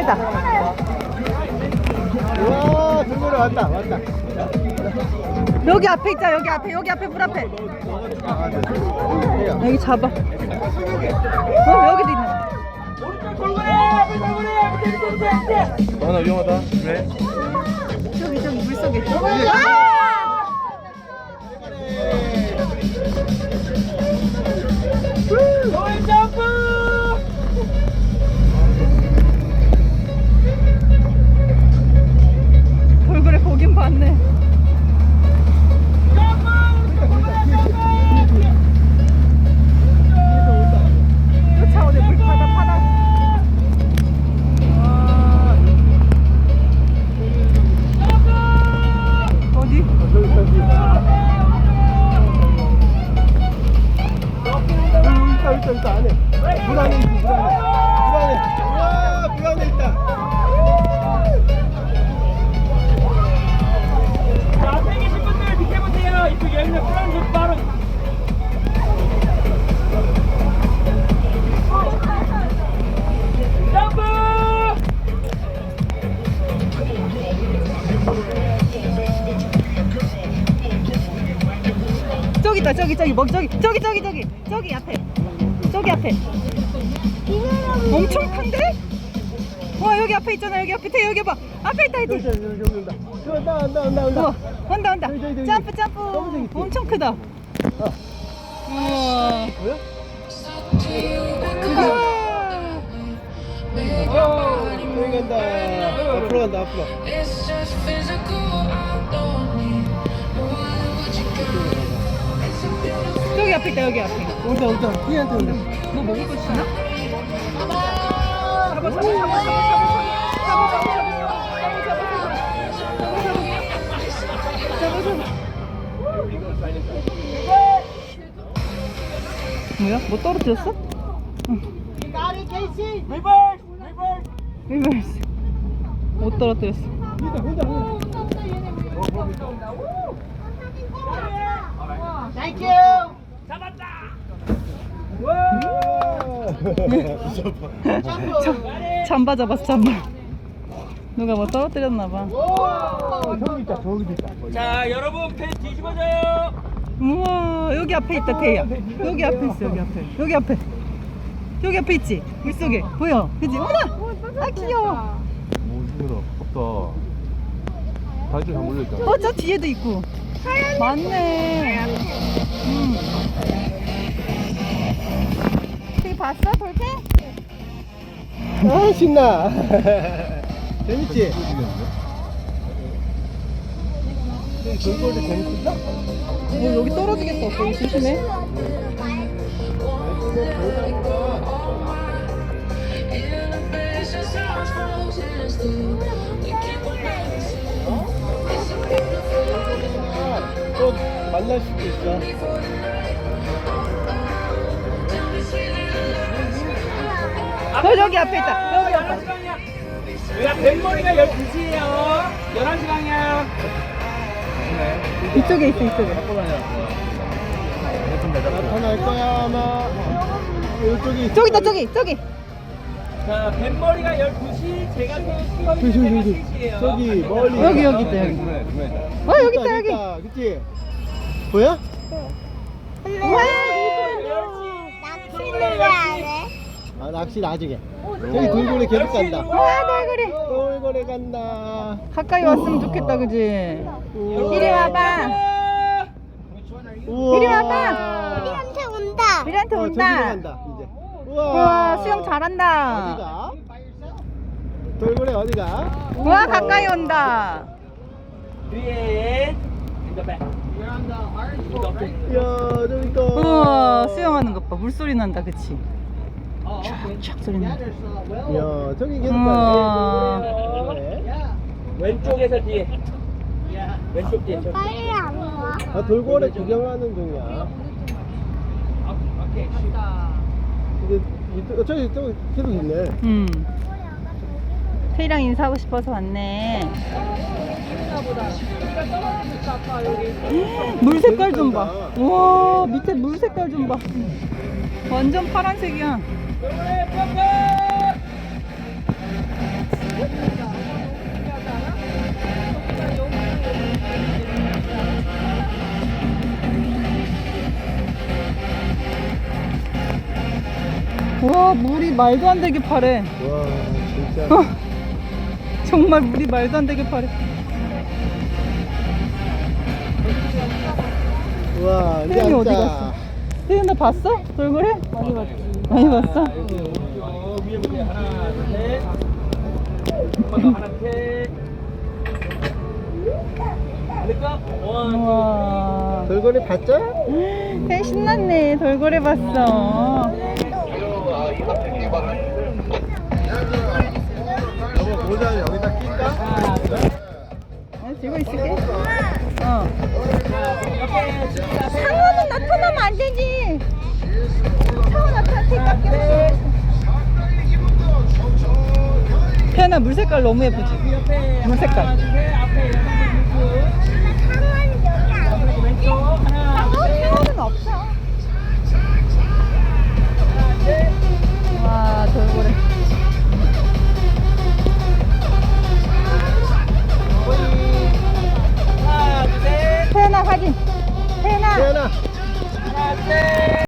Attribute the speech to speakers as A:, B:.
A: 왔다.
B: 우와, 돌고래 왔다.
A: 여기 앞에 있자. 여기 앞에 물 앞에. 여기 잡아. 여기도 있네.
B: 나 위험하다. 왜?
A: 저기 물속에. 돌고래 보긴 봤네. 쫓아오네. 물 파다. 어디?
B: 있다 안에. 물 안에 있지. 물 안에. 우와, 물 안에 있다.
C: 자, 앞에 계신 분들 비켜보세요. 이쪽 열면 프란스 바로. 점프!
A: 저기 있다. 저기 앞에. 저기 앞에. 엄청 큰데? 와, 여기 앞에 있잖아. 여기 앞에. 여기 봐. 앞에 있다.
B: 여기 온다.
A: 우와, 온다.
B: 저기.
A: 점프.
B: 검은색 있지?
A: 엄청 크다. 우와.
B: 뭐야? 저기 간다. 앞으로 간다.
A: 저기 앞에 있다. 여기 앞에.
B: 온다. 피한테 온다.
A: 뭐 먹을 거 있나? 뭐야? 뭐 떨어뜨렸어? 리버스. 못 떨어뜨렸어.
B: 혼자.
C: 잡았다!
A: 잠바 잡았어. 잠바. 누가 뭐 떨어뜨렸나봐.
B: 저기도 있다.
C: 자, 여러분, 배 뒤집어져요!
A: 우와, 여기 앞에 있다. 태야. 여기 앞에 있어. 여기 앞에 있지? 물속에 보여? 그치? 어머나! 아, 귀여워.
B: 오, 이거다. 없다. 다리좀 다 몰려있다.
A: 저 뒤에도 있고. 맞네. 저기 봤어? 돌팽?
B: 아, 신나. 재밌지? 돌고래 재밌었어?
A: 여기 떨어지겠다. 거기 조심해.
B: 또 만날 수도 있어.
A: 여기 앞에 있다. 여기 앞에.
C: 11시간이야. 야, 뱃머리가 12시에요. 11시 방향.
A: 이쪽에 있어.
B: 나타날 거야, 아마. 이쪽이.
A: 저기 있다. 저기.
C: 자, 뱃머리가 12시, 제가 태우고
B: 저기.
C: 3시에요.
B: 저기, 멀리.
A: 여기 있다. 여기. 여기 있다. 여기.
B: 그치? 보여?
A: 우와.
D: 낚시는 왜안 해?
B: 아, 낚시 나중에. 저기 돌고래 계속 간다.
A: 우와, 돌고래.
B: 돌고래 간다.
A: 가까이 왔으면 좋겠다. 그지? 이리 와봐.
B: 우와.
A: 이리 와봐.
D: 우리한테 온다.
A: 우리한테
B: 저기로
A: 온다.
B: 간다, 이제. 우와.
A: 우와, 수영 잘한다.
B: 어디가? 돌고래 어디가?
A: 우와, 가까이 온다.
C: 뒤에 인더백.
B: 이야, 저기 있다.
A: 우와, 수영하는 것 봐. 물소리 난다. 그치? 촥 소리 난다.
B: 이야, 저기 계속
A: 우와.
B: 가네.
C: 왼쪽에서 뒤에. 왼쪽 뒤에. 저기.
D: 빨리 안 와.
B: 아, 돌고래 구경하는 중이야. 근데 저기 계속 있네.
A: 태희랑 인사하고 싶어서 왔네. 물 색깔 좀 봐. 우와, 밑에 물 색깔 좀 봐. 완전 파란색이야. 와, 물이 말도 안 되게 파래.
B: 와 진짜.
A: 정말 물이 말도 안 되게 파래.
B: 와 이제
A: 태연이 어디
B: 앉아.
A: 갔어? 태연아 봤어? 돌고래? 많이 봤지. 많이 봤어?
C: 위에 보세요. 하나, 둘, 셋. 한번 더, 하나, 셋. 될까? 원,
A: 우와.
B: 돌고래 봤죠?
A: 태연 신났네. 돌고래 봤어.
B: 여보 모자 여기다 낄까?
A: 들고 있을게. 상어는 나타나면 안 되지. 상어 나타날게. 태연아 물 색깔 너무 예쁘지? 물 색깔.
C: 앞에